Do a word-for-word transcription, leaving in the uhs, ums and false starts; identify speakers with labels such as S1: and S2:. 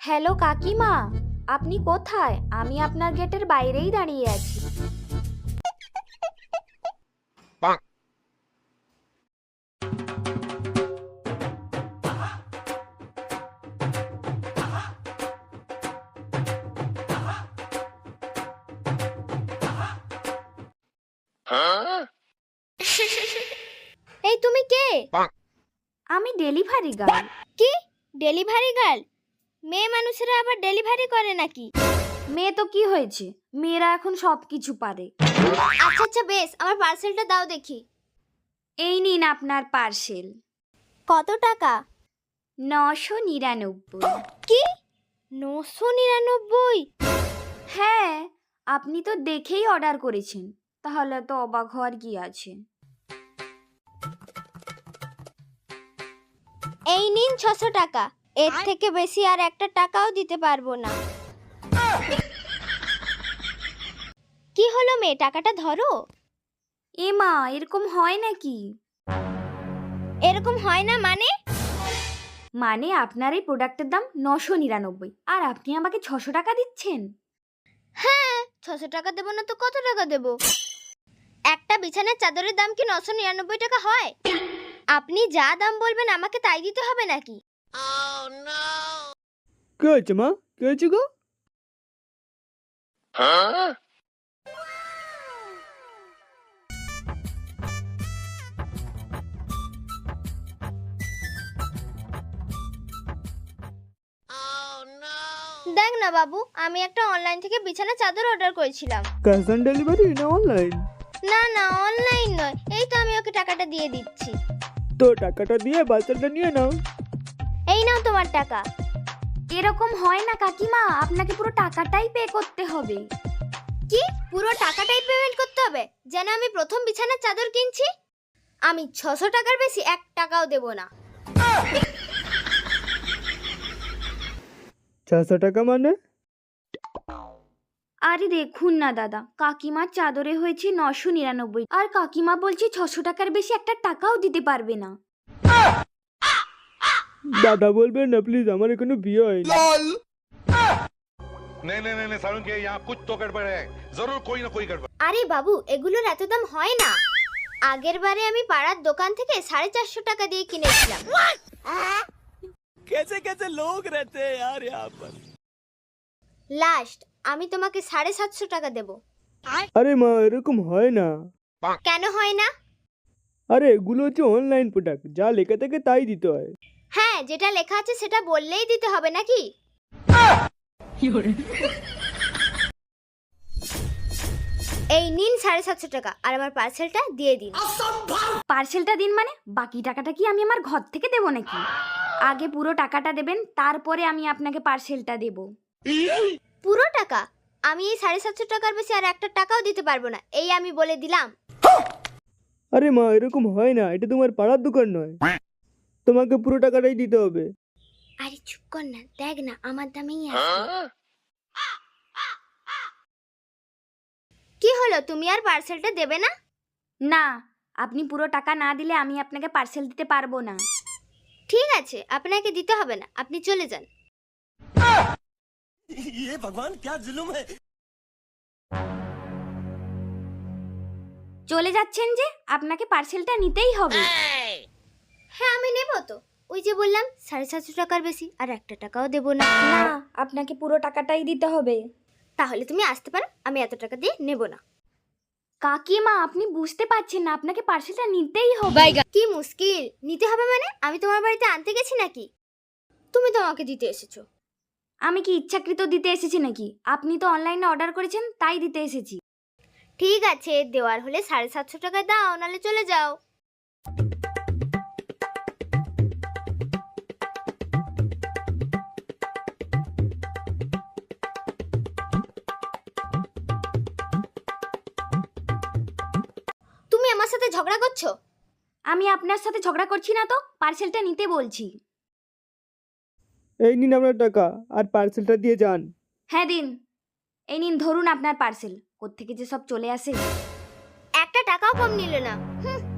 S1: Hello কাকিমা, আপনি কোথায়? আমি আপনার গেটের বাইরেই দাঁড়িয়ে আছি।
S2: এই তুমি কে?
S1: আমি ডেলিভারি গার্ল।
S2: কি ডেলিভারি গার্ল? মেয়ে মানুষেরা আবার ডেলিভারি করে নাকি?
S1: মেয়ে তো কি হয়েছে, মেয়েরা এখন সব কিছু পারে।
S2: আচ্ছা আচ্ছা বেশ, আমার পার্সেলটা দাও দেখি।
S1: এই নিন আপনার পার্সেল।
S2: কত টাকা?
S1: নশো নিরানব্বই।
S2: কি নশো নিরানব্বই?
S1: হ্যাঁ, আপনি তো দেখেই অর্ডার করেছেন, তাহলে তো অবাক হওয়ার কি আছে।
S2: এই নিন ছশো টাকা। এর থেকে বেশি আর একটা টাকাও দিতে পারবো না। কি হলো মেয়ে, টাকাটা ধরো।
S1: এ মা, এরকম হয় নাকি?
S2: এরকম হয় না মানে?
S1: মানে আপনার এই প্রোডাক্টের দাম নশো নিরানব্বই আর আপনি আমাকে ছশো টাকা দিচ্ছেন?
S2: হ্যাঁ, ছশো টাকা দেবো না তো কত টাকা দেবো? একটা বিছানার চাদরের দাম কি নশো নিরানব্বই টাকা হয়? আপনি যা দাম বলবেন আমাকে তাই দিতে হবে নাকি?
S3: কি হয়েছে মা? কি হয়েছে গো?
S2: দেখ না বাবু, আমি একটা অনলাইন থেকে বিছানা চাদর অর্ডার করেছিলাম।
S3: ক্যাশ অন ডেলিভারি না অনলাইন?
S2: না না, অনলাইন নয়। এই তো আমি ওকে টাকাটা দিয়ে দিচ্ছি।
S3: তো টাকাটা দিয়ে পার্সেলটা নিয়ে নাও।
S2: এই নাও তোমার টাকা।
S1: এরকম হয় না কাকিমা, আপনাকে পুরো টাকাটাই পে করতে হবে।
S2: কি পুরো টাকাটাই পেমেন্ট করতে হবে? যেন আমি প্রথম বিছানার চাদর কিনছি। আমি ছশো টাকার বেশি এক টাকাও দেব না।
S3: ছশো টাকা মানে?
S1: আরে দেখুন না দাদা, কাকিমার চাদরে হয়েছে নশো নিরানব্বই আর কাকিমা বলছে ছশো টাকার বেশি একটা টাকাও দিতে পারবে না।
S3: দাদা বলবেন না প্লিজ, আমার এখনো বিয়ে হয়নি।
S4: नहीं नहीं नहीं सारुण के यहाँ कुछ तो गड़बड़ है, जरूर कोई ना कोई गड़बड़।
S2: আরে বাবু, এগুলোর এত দাম হয় না। আগের বারে আমি পাড়ার দোকান থেকে সাড়ে চারশো টাকা দিয়ে কিনেছিলাম।
S3: कैसे कैसे लोग रहते हैं यार यहाँ पर।
S2: লাস্ট আমি তোমাকে সাড়ে সাতশো টাকা দেব।
S3: আরে মা, এরকম হয় না।
S2: কেন হয় না?
S3: আরে এগুলো হচ্ছে অনলাইন প্রোডাক্ট, যা লেখা থাকে তাই দিতে হয়।
S2: হ্যাঁ, যেটা লেখা আছে সেটা বললেই দিতে হবে নাকি? এই নিন সাড়ে সাতশো টাকা আর আমার পার্সেলটা দিয়ে দিন।
S1: পার্সেলটা দিন মানে বাকি টাকাটা কি আমি আমার ঘর থেকে দেবো নাকি? আগে পুরো টাকাটা দেবেন, তারপরে আমি আপনাকে পার্সেলটা দেব।
S2: পুরো টাকা? আমি এই সাড়ে সাতশো টাকার বেশি আর একটা টাকাও দিতে পারবো না, এই আমি বলে দিলাম।
S3: আরে মা, এরকম হয় না, এটা তোমার পাড়ার দোকান নয়, তোমাকে পুরো টাকাটাই দিতে হবে।
S2: আরে চুপ কর না, দেখ না আমার দামেই আছে। কি হলো, তুমি আর পার্সেলটা দেবে না?
S1: না, আপনি পুরো টাকা না দিলে আমি আপনাকে পার্সেল দিতে পারবো না।
S2: ঠিক আছে, আপনাকে দিতে হবে না, আপনি চলে যান।
S3: ये भगवान क्या जुल्म है।
S1: চলে যাচ্ছেন যে? আপনাকে পার্সেলটা নিতেই হবে।
S2: হ্যাঁ আমি নেব তো, ওই যে বললাম সাড়ে সাতশো টাকার বেশি আর একটা টাকাও দেবো না।
S1: না, আপনাকে পুরো টাকাটাই দিতে হবে।
S2: তাহলে তুমি আসতে পারো, আমি এত টাকা দিয়ে নেব না।
S1: কাকিমা, আপনি বুঝতে পারছেন না, আপনাকে পার্সেলটা নিতেই হবে।
S2: কি মুশকিল, নিতে হবে মানে? আমি তোমার বাড়িতে আনতে গেছি নাকি? তুমি তো আমাকে দিতে এসেছো।
S1: আমি কি ইচ্ছাকৃত দিতে এসেছি নাকি? আপনি তো অনলাইনে অর্ডার করেছেন, তাই দিতে এসেছি।
S2: ঠিক আছে, দেওয়ার হলে সাড়ে সাতশো টাকা দাও, নাহলে চলে যাও। তুমি আমার সাথে ঝগড়া করছো?
S1: আমি আপনার সাথে ঝগড়া করছি না তো, পার্সেলটা নিতে বলছি।
S3: এই নিন আপনার টাকা আর পার্সেলটা দিয়ে যান।
S1: হ্যাঁ দিন। এই নিন ধরুন আপনার পার্সেল। কোত্থেকে যে সব চলে আসে।
S2: একটা টাকাও কম নিলে না। হুম।